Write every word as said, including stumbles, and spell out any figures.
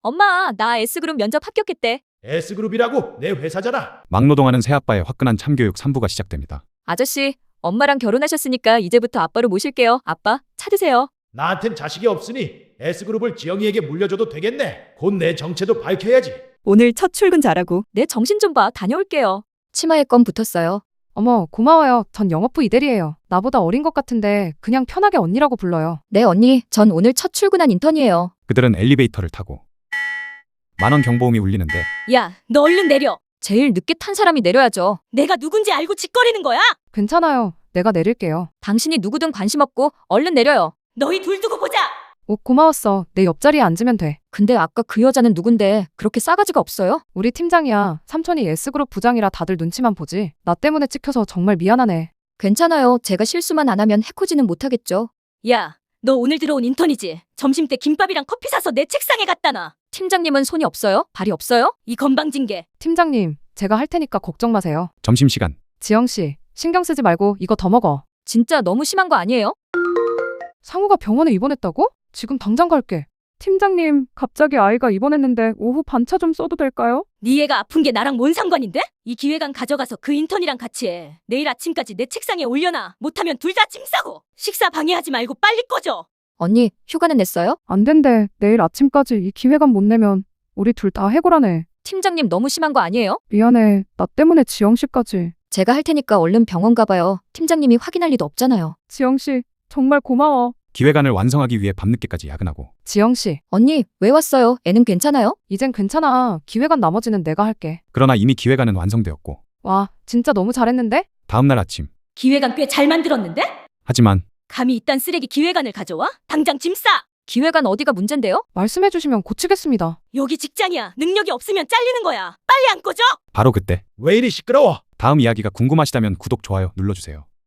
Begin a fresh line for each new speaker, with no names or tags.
엄마, 나 S그룹 면접 합격했대.
S그룹이라고? 내 회사잖아.
막노동하는 새아빠의 화끈한 참교육 삼 부가 시작됩니다.
아저씨, 엄마랑 결혼하셨으니까 이제부터 아빠로 모실게요. 아빠, 차 드세요.
나한텐 자식이 없으니 S그룹을 지영이에게 물려줘도 되겠네. 곧 내 정체도 밝혀야지.
오늘 첫 출근 잘하고.
내 정신 좀 봐. 다녀올게요. 치마에 껌 붙었어요.
어머, 고마워요. 전 영업부 이대리예요. 나보다 어린 것 같은데 그냥 편하게 언니라고 불러요.
네, 언니. 전 오늘 첫 출근한 인턴이에요.
그들은 엘리베이터를 타고 만원 경보음이 울리는데
야, 너 얼른 내려. 제일 늦게 탄 사람이 내려야죠. 내가 누군지 알고 짓거리는 거야?
괜찮아요. 내가 내릴게요.
당신이 누구든 관심 없고 얼른 내려요. 너희 둘 두고 보자.
오, 고마웠어. 내 옆자리에 앉으면 돼.
근데 아까 그 여자는 누군데 그렇게 싸가지가 없어요?
우리 팀장이야. 삼촌이 S그룹 부장이라 다들 눈치만 보지. 나 때문에 찍혀서 정말 미안하네.
괜찮아요. 제가 실수만 안 하면 해코지는 못하겠죠. 야, 너 오늘 들어온 인턴이지? 점심 때 김밥이랑 커피 사서 내 책상에 갖다 놔. 팀장님은 손이 없어요? 발이 없어요? 이 건방진게.
팀장님, 제가 할 테니까 걱정 마세요.
점심시간
지영씨, 신경 쓰지 말고 이거 더 먹어.
진짜 너무 심한 거 아니에요?
상우가 병원에 입원했다고? 지금 당장 갈게. 팀장님, 갑자기 아이가 입원했는데 오후 반차 좀 써도 될까요?
네 애가 아픈 게 나랑 뭔 상관인데? 이 기획안 가져가서 그 인턴이랑 같이 해. 내일 아침까지 내 책상에 올려놔. 못하면 둘 다 짐 싸고. 식사 방해하지 말고 빨리 꺼져. 언니, 휴가는 냈어요?
안 된대. 내일 아침까지 이 기획안 못 내면 우리 둘 다 해고라네.
팀장님 너무 심한 거 아니에요?
미안해. 나 때문에 지영씨까지.
제가 할 테니까 얼른 병원 가봐요. 팀장님이 확인할 리도 없잖아요.
지영씨, 정말 고마워.
기획안을 완성하기 위해 밤늦게까지 야근하고
지영씨,
언니, 왜 왔어요? 애는 괜찮아요?
이젠 괜찮아. 기획안 나머지는 내가 할게.
그러나 이미 기획안은 완성되었고
와, 진짜 너무 잘했는데?
다음날 아침
기획안 꽤 잘 만들었는데?
하지만
감히 이딴 쓰레기 기획안을 가져와? 당장 짐 싸! 기획안 어디가 문제인데요?
말씀해주시면 고치겠습니다.
여기 직장이야. 능력이 없으면 잘리는 거야. 빨리 안 꺼져!
바로 그때
왜 이리 시끄러워?
다음 이야기가 궁금하시다면 구독, 좋아요 눌러주세요.